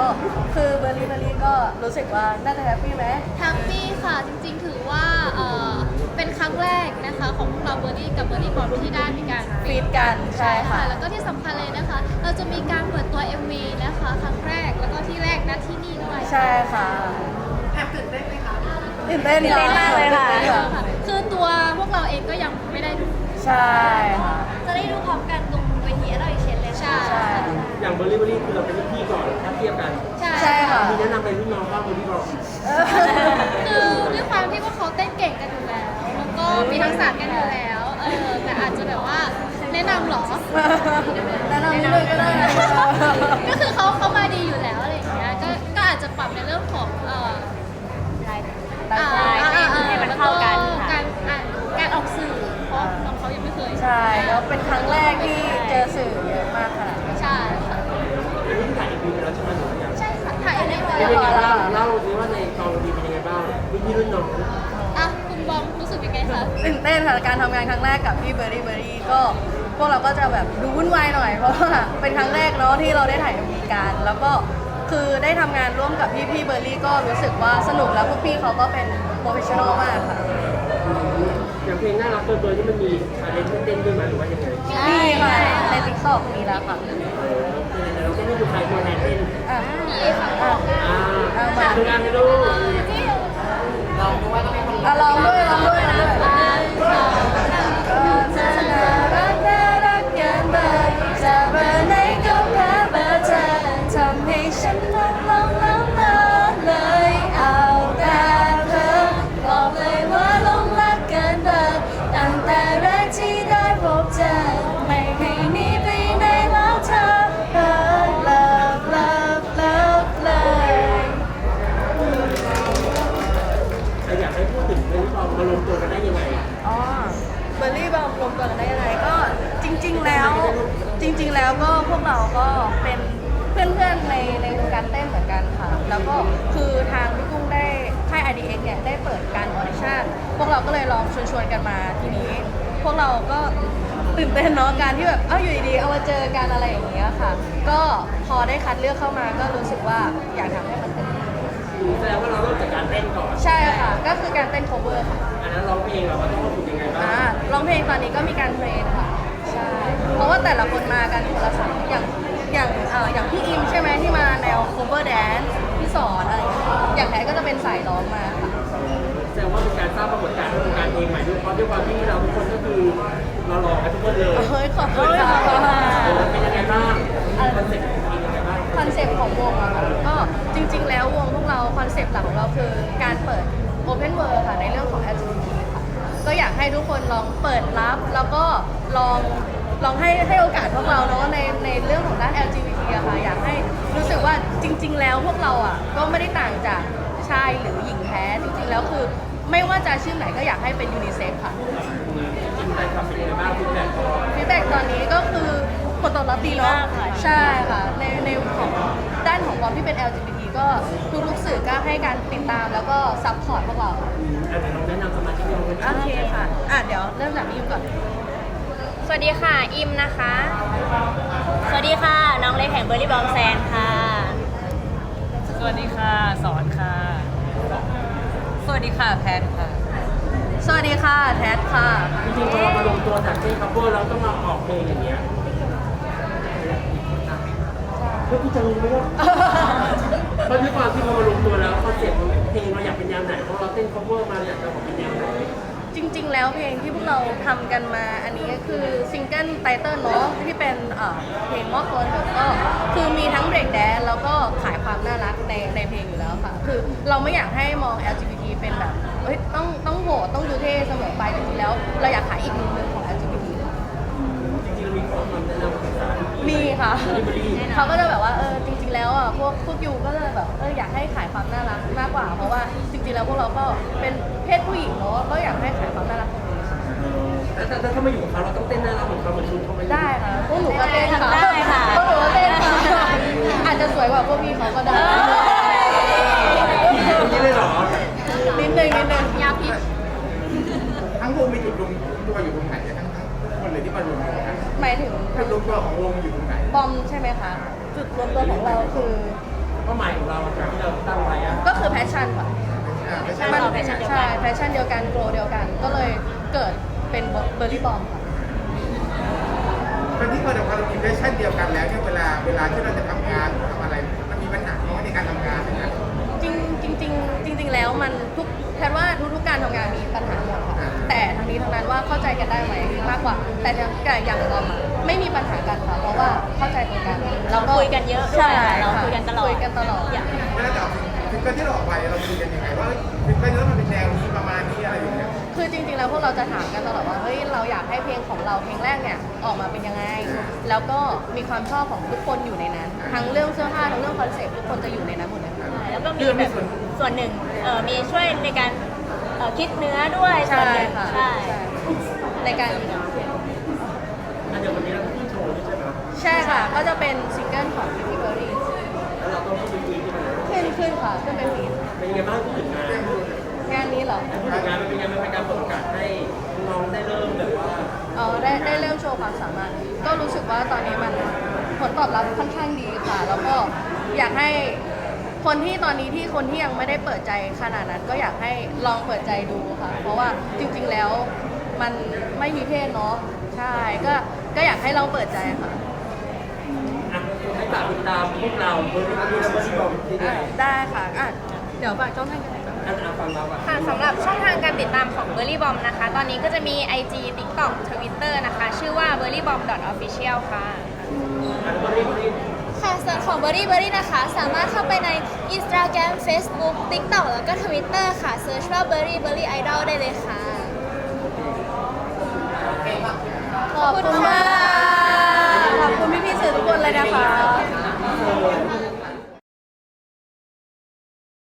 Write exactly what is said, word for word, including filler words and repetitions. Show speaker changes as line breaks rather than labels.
คือเบอร์รี่เบอร์รี่ก็รู้สึกว่าน่าจะแฮปปี้ไหม
แฮปปี้ค่ะจริงๆถือว่าเอ่อเป็นครั้งแรกนะคะของพวกเราเบอร์รี่กับเบอร์รี่บอมที่ได้มีการ
ฟีดกันใช่ค่ะ
แล้วก็ที่สำคัญเลยนะคะ เราจะมีการเปิดตัว เอ็ม วี นะคะครั้งแรกแล้วก็ที่แรกนะที่นี่ด้วย
ใช่ค่ะแอบตื่นเต้นไหมคะตื่นเต้นมากเลยค่ะ
คือตัวพวกเราเองก็ยังไม่ได้ดู
ใช่ค่ะ
จะได้ดูพร้อมกันตรงเวทีอะไรเชนเลยใช่
อย่างเบอร์รี่เบอร์รี่คือเราเป็นรุ่นพี่ก่อนถ้าเทียบกัน
ใช่
ใช่ค่ะ
มีแนะนำเป็นรุ่นน้องบ้างเบอร์รี่บอก
คือด้วยความที่พวกเขาเต้นเก่งกันอยู่แล้วแล้วก็มีทักษะกันอยู่แล้วเออแต่อาจจะแบบว่าแนะนำหรอ
แนะนำนิดนึงก็ได้นะ
ก็คือเขาเขามาดีอยู่แล้วอะไรอย่างเงี้ย ก็ก็อาจจะปรับในเรื่องของเอ่อ
ได้
อ่า
ค่ะ
อ่าอ่า
ให้มันเข้ากัน
แล้ว
ค่ะ
การอ่านการออกสื่อเพราะน้องเขายังไม่เคย
ใช่แล้วเป็นครั้งแรกที่เจอสื่อเยอะมากขนาดนี้
ใช่ค่ะ
อันนี้ถ่ายอีกปีแล้วใช่ไหมหรือยัง
ใช่ค่ะถ่ายได้เล
เป็น
ย
ยังไงบ้างเล่าสิว่าในกองดีเป็นยังไงบ้างรุ่นพี่รุ่นน้อง
อ่ะคุณบอมรู้สึกยังไงคะ
ตื่นเต้นค่ะการทำงานครั้งแรกกับพี่เบอร์รี่เบอร์รี่ก็พวกเราก็จะแบบดูวุ่นวายหน่อยเพราะว่าเป็นครั้งแรกเนาะที่เราได้ถ่ายเอ็มวีกันแล้วก็คือได้ทำงานร่วมกับพี่พี่เบอร์รี่ก็รู้สึกว่าสนุกแล้วพวกพี่เขาก็เป็นโปรเฟชชั่นอลมากค่ะ
อย่างเพลงน่ารักตัวตัวนี่มันมีชาเลนจ์เต้นด้วยไหมหรือว่ายังไง
นี่ค่ะในติ๊กต็อกมีแล้วค่ะ
เออเราเต้นให้ดูใครตัวแทนเต้น
อ่ะ
นี่ค่ะ
อ่ะ
อ่า
เอามา
ทำงานให้ดู
อ่ะลองด้วยลองด้วยลองด้วยก็เธอน่ารักน่ารักเกินเบอร์จะเบอร์ไหนก็แพ้เบอร์เธอทำให้ฉันลงลงลงลงเลยเอาแต่เธอบอกเลยว่าลงรักเกินเบอร์ตั้งแต่แรกที่ได้พบเจอไม่ให้หนีไปไหนแล้วเธอเออ love love love เลย
อยากให้พูดถึงเรื่องความมารวมตัวกันได้ยังไง
อ๋อเบอร์รี่บอมรวมตัวกันได้ยังไงก็จริง ๆ แล้วจริง ๆ แล้วก็พวกเราก็เป็นเพื่อนๆในในวงการเต้นเหมือนกันค่ะ แล้วก็คือทางพี่กุ้งได้ค่าย ไอ ดี เอ็กซ์ เนี่ยได้เปิดการออดิชั่นพวกเราก็เลยลองชวนๆกันมาทีนี้ พวกเราก็ตื่นเต้นเนาะการที่แบบเอ้าอยู่ดีๆเอามาเจอกันอะไรอย่างเงี้ยค่ะ ก็พอได้คัดเลือกเข้ามาก็รู้สึกว่าอยากทำให้มันเต็มที่
แสดงว่าเราเริ่มจากการเต้นก่อน
ใช่ค่ะก็คือการเต้น cover ค่ะ
อันนั้นร้องเพลงเราก็ต้องฝึกยังไงบ้าง
อ่าร้องเพลงตอนนี้ก็มีการเทรนค่ะใช่เพราะว่าแต่ละคนมากันคนละสายอย่างอย่างเอ่ออย่างพี่อิมใช่ไหมที่มาแนว cover dance พี่สอนอะไรอย่างเงี้ยอย่างแท้ก็จะเป็นสายร้องมาค่ะ
แสดงว่าเป็นการสร้างปรากฏการณ์ของการเพลงใหม่ด้วยเพราะด้วยความที่เราทุกคนก็คือเราหล่อกันทุกคนเลย
เฮ้ยขอบคุณค่ะ
เออเป็นยังไงบ้างคอนเซ็ปต์เป็นยังไงบ้าง
คอนเซปต์ของวงอะค่ะก็จริง ๆ แล้ววงพวกเราคอนเซปต์หลักของเราคือการเปิด Open World ค่ะในเรื่องของ แอล จี บี ที ค่ะก็อยากให้ทุกคนลองเปิดรับแล้วก็ลองลองให้ให้โอกาสพวกเราเนาะในในเรื่องของด้าน แอล จี บี ที อะค่ะอยากให้รู้สึกว่าจริง ๆ แล้วพวกเราอะก็ไม่ได้ต่างจากชายหรือหญิงแท้จริง ๆ แล้วคือไม่ว่าจะชื่อไหนก็อยากให้เป็นยูนิเซ็กค่ะ
จริงๆแฟนคลับเป็นยังไงบ้างฟีดแบ็กพอ
ฟีดแบ็กตอนนี้ก็คือผลตอบรับดีเนาะ
ดีมากค่ะ
ใช่ค่ะในในของด้านของบอมที่เป็น แอล จี บี ที ก็ทุกๆสื่อก็ให้การติดตามแล้วก็ซัพพอร์ตพวกเราค่ะ
อาจจะลองแนะนำสมาชิกในวงกัน
โอเคค่ะอ่ะเดี๋ยวเริ่มจากนี้ก่อน
สวัสดีค่ะ อิมนะคะ สวัสดีค่ะ น้องเล็กแห่งเบอร์รี่บอมแซนค่ะ
สวัสดีค่ะ สอนค่ะ สวัสดีค่ะ แพนค่ะ
สวัสดีค่ะแท็ดค่ะ
จริงๆพอเรามาลงตัวจากเต้นคัฟเวอร์เราต้องมาออกเพลงอย่างเงี้ยเพื่อที่จะรู้ไหมว่าเพราะด้วยความที่เรามาลงตัวแล้วคอนเซ็ปต์เพลงเราอยากเป็นแนวไหนเพราะเราเต้นคัฟเวอร์มาอยากจะออกเป็นแนวไหน
จริง ๆ แล้วเพลงที่พวกเราทำกันมาอันนี้ก็คือซิงเกิลไตเติ้ลเนาะที่เป็นเอ่อเพลงมอบตัวเถอะก็คือมีทั้งเบรกแดนแล้วก็ขายความน่ารักในในเพลงอยู่แล้วค่ะ คือเราไม่อยากให้มอง แอล จี บี ที เป็นแบบเฮ้ยต้องต้องโหดต้องดูเท่เสมอไปจริงๆแล้ว เราอยากขายอีกมุมหนึงของ แอล จี บี ที ค่ะ
จริงๆเรามีข้อความแนะนำภาษา
มีค่ะ
บริ
เขาก็จะแบบว่าเออจริง ๆ แล้วอ่ะพวกพวกยูก็จะแบบเอออยากให้ขายความน่ารักมากกว่า เพราะว่าจริง ๆ แล้วพวกเราก็เป็นเพศผู้หญิงเนาะก็อยากให้ขายความน่ารักตรงนี้ค่ะ
แล้วถ้าถ้ามาอยู่กับเขาเราต้องเต้นหน้ารักเหมือนเขาเหมือนชุดเขาไป
ได้ค่ะพวกหนูก็เต้นค่ะ
ได้ค่ะ
พวกหนูก็เต้นค่ะอาจจะสวยกว่าพวกพี่เขาก็ได้
อย่างนี้เลยเหรอ
นิดนึงนิดนึง
ยาพิษ
ทั้งวงมีจุดรวมตัวอยู่ตรงไหนทั้งทั้งคนเลยที่มารวมตัวกัน
หมายถึง
จุดรวมตัวของวงอยู่ตรงไหน
บอมใช่ไหมคะจุดรวมตัวของเราคือ
เป้าหมายของเราจากที่เราตั้งไว้อะ
ก็คือแพชชั่นค่ะ
อ่าไม่ใช่
เรา passion เดียวกัน
ใช่แพชชั่นเดียวกันโกลเดียวกัน ก็เลยเกิดเป็นเบอร์รี่บอมค่ะ
คนที่เคยเราเรามีแพชชั่นเดียวกันแล้วเนี่ยเวลาเวลาที่เราจะทำงานทำอะไรมันมีปัญหาน้อยในการทำงานนะ
จริงจริงจริงจริง ๆ แล้วมันทุกแทนว่าทุกๆการทำงานมีปัญหาหมดค่ะ แต่ทั้งนี้ทั้งนั้นว่าเข้าใจกันได้ไหมมากกว่า แต่อย่างเราอะไม่มีปัญหากันค่ะ เพราะว่าเข้าใจตรงกัน
เราคุยกันเยอะด้วย
ใช่
เรา
ค่ะ
คุยกันตลอด
คุยกันตลอด
เวลาจะออกซิงเกิลที่เราออกไปเราคุยกันยังไงว่าซิงเกิลนี้มันเป็นแนวนี้ประมาณนี้อะไรอย่างเงี้ย
คือจริงๆ แล้วพวกเราจะถามกันตลอดว่าเฮ้ยเราอยากให้เพลงของเราเพลงแรกเนี่ยออกมาเป็นยังไง แล้วก็มีความชอบของทุกคนอยู่ในนั้น ทั้งเรื่องเสื้อผ้าทั้งเรื่องคอนเซ็ปต์ทุกคนจะอยู่ในนั้นหมดเลยค่ะ
แล้วก็มีแบบส่วนหนึ่งเออมีช่วยในการเอ่อคิดเนื้อด้วยส่
ใช่
วนหนึ่ง
ค่ะ
ใช่
ใช่ในการ
อันเดียววันนี้เราขึ้นโชว์ด้วยใช่ไหม
ใช่ค่ะ ก็จะเป็นซิงเกิลของพี่เบอร์รี่
แล้วเราต้องขึ้นไปคุยที่มัน
ขึ้นขึ้นค่ะขึ้นเป็นฟีด
เป็นยังไงบ้างพูดถึงงานพูด
งานนี้เหรอ
ถึงงานมันเป็นยังไงมันเป็นการเปิดโอกาสให้น้องได้เริ่มแบบว่า
อ๋อได้ได้เริ่มโชว์ความสามารถ ก็รู้สึกว่าตอนนี้มันผลตอบรับค่อนข้างดีค่ะ แล้วก็อยากให้คนที่ตอนนี้ที่คนที่ยังไม่ได้เปิดใจขนาดนั้น ก็อยากให้ลองเปิดใจดูค่ะ เพราะว่าจริงๆแล้วมันไม่มีเพศเนาะใช่ก็ก็อยากให้ลองเปิดใจค่ะ
อ่ะให้ฝากติดตามพวกเราเบอร์รี่และเบอร์รี่บอมที่ไหน
อ่ะได้ค่ะอ่ะเดี๋ยวฝากช่องทางกันหน่อยนะ
อันอ่ะฟังเราอ่ะ
ค่ะสำหรับช่องทางการติดตามของ Berry Bomb นะคะ ตอนนี้ก็จะมี ไอ จี TikTok Twitter นะคะ ชื่อว่า berry bomb dot official ค่ะ
อันเบอร์รี่เบอร์รี่
ค่ะส่วนของ Berry Berry นะคะ สามารถเข้าไปใน Instagram Facebook TikTok แล้วก็ Twitter ค่ะเซิร์ชว่า Berry Berry Idol ได้เลยค่ะ
ขอบคุณมากขอบคุณพี่ๆสื่อทุกคนเลยนะคะ